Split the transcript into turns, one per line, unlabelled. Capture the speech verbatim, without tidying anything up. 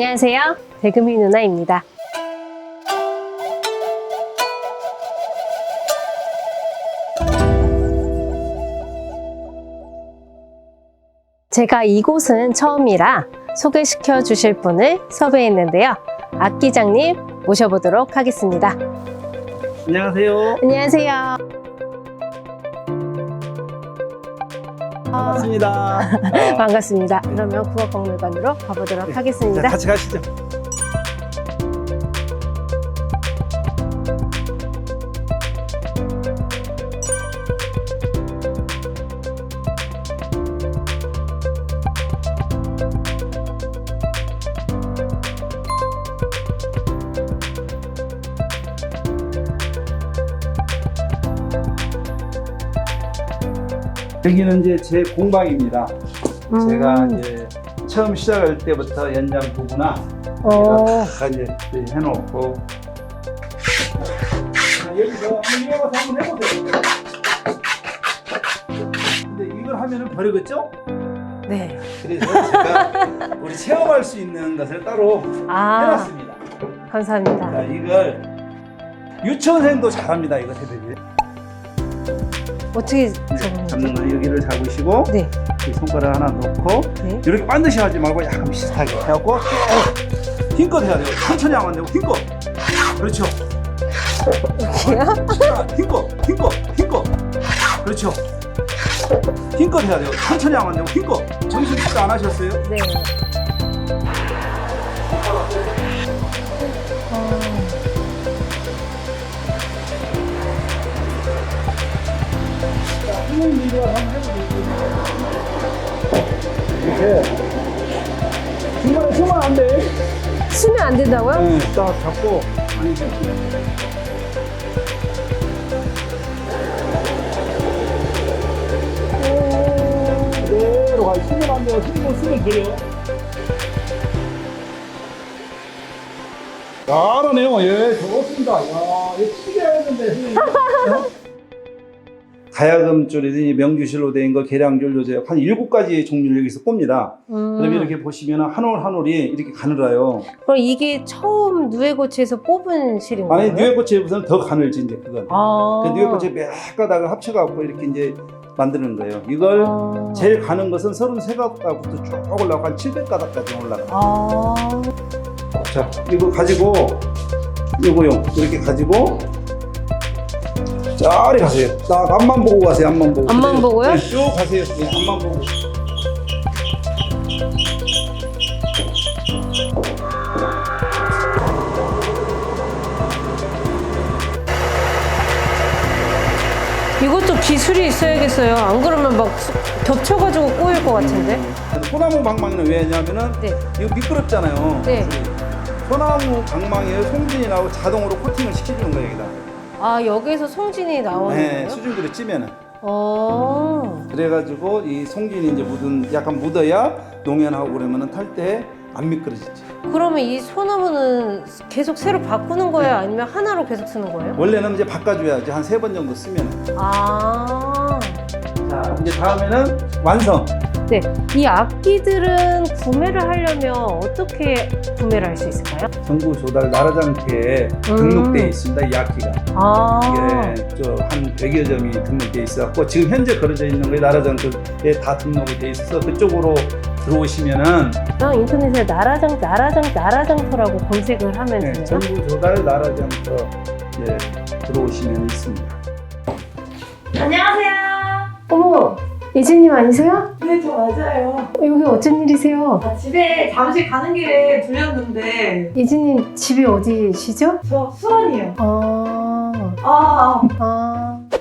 안녕하세요. 대금이 누나입니다. 제가 이곳은 처음이라 소개시켜 주실 분을 섭외했는데요. 악기장님 모셔보도록 하겠습니다.
안녕하세요.
안녕하세요.
반갑습니다.
아, 반갑습니다. 그러면 국어박물관으로 가보도록
네,
하겠습니다.
자, 같이 가시죠. 여기는 이제 제 공방입니다.
음.
제가 이제 처음 시작할 때부터 연장 부부나
어.
다 이제 해놓고 자, 여기서 한번 이어가서 한번 해보세요. 근데 이걸 하면은 버리겠죠?
네.
그래서 제가 우리 체험할 수 있는 것을 따로
아,
해놨습니다.
감사합니다.
자, 이걸 유치원생도 잘합니다. 이거 해드리.
어떻게
네,
잡는
잡는
거죠?
거 여기를 잡으시고
네.
이 손가락 하나 놓고
네.
이렇게 반드시 하지 말고 약간 비슷하게 해갖고 쭉 힘껏 해야 돼요. 천천히 하면 안 되고 힘껏. 그렇죠.
이렇게요?
힘껏, 힘껏, 힘껏. 그렇죠. 힘껏 해야 돼요. 천천히 하면 안 되고 힘껏. 정신 식도 안 하셨어요?
네. 어.
한번 이거 한번 해보세요. 이렇게. 중간에 쓰면 안 돼.
쓰면 안 된다고요?
네, 딱 잡고 아니 이렇게. 그대로 가. 쓰면 안 돼요. 쓰면 쓰면 버려. 잘하네요. 예, 좋습니다. 야, 이거 튀겨야 했는데, 선생님. 가야금 줄이든지 명주실로 된 거, 계량줄 요제 한 일곱 가지 종류를 여기서 꼽니다.
음.
그러면 이렇게 보시면 한 올 한 올이 이렇게 가늘어요.
그럼 이게 처음 누에고치에서 뽑은 실인 거예요?
아니, 뉴에코치보다는 더 가늘지, 이제 그건.
아.
그 뉴에코치 몇 가닥을 합쳐갖고 이렇게 이제 만드는 거예요. 이걸
아.
제일 가는 것은 서른세 가닥부터 쭉 올라가고 한 칠백 가닥까지 올라가요.
아.
자, 이거 가지고, 요거요. 이렇게 가지고, 저리 가세요. 딱 앞만 보고 가세요, 앞만 보고.
앞만
그대로.
보고요?
네, 쭉 가세요. 네, 앞만 보고.
이것도 기술이 있어야겠어요. 안 그러면 막 수- 겹쳐가지고 꼬일 것 같은데.
음, 소나무 방망이는 왜냐면은,
네.
이거 미끄럽잖아요.
네.
소나무 방망이에 송진이 나오고 자동으로 코팅을 시켜주는 거예요, 여기다.
아, 여기서 송진이 나오는
네,
거예요?
수증기를 찌면은.
어.
그래가지고 이 송진이 이제 묻은, 약간 묻어야 농연하고 그러면은 탈 때 안 미끄러지지.
그러면 이 소나무는 계속 새로 바꾸는 거예요? 아니면 하나로 계속 쓰는 거예요?
원래는 이제 바꿔줘야지. 한 세 번 정도 쓰면은.
아.
자, 이제 다음에는 완성.
네. 이 악기들은 구매를 하려면 어떻게 구매를 할 수 있을까요?
정부 조달 나라장터에
음.
등록되어 있습니다. 이 악기가.
아.
이게 저한 백여 점이 등록되어 있어갖고 지금 현재 걸어져 있는 게 나라장터에 다 등록이 되어 있어서 그쪽으로 들어오시면은
나 인터넷에 나라장, 나라장, 나라장터라고 검색을 하면
네,
되나요?
정부 조달 나라장터 예, 들어오시면 있습니다.
안녕하세요.
어머, 예진님 아니세요?
네, 저 맞아요.
여기 어쩐 일이세요?
아, 집에 잠시 가는 길에 들렸는데
예진님 집이 어디시죠?
저 수원이요.
아,
아,
아.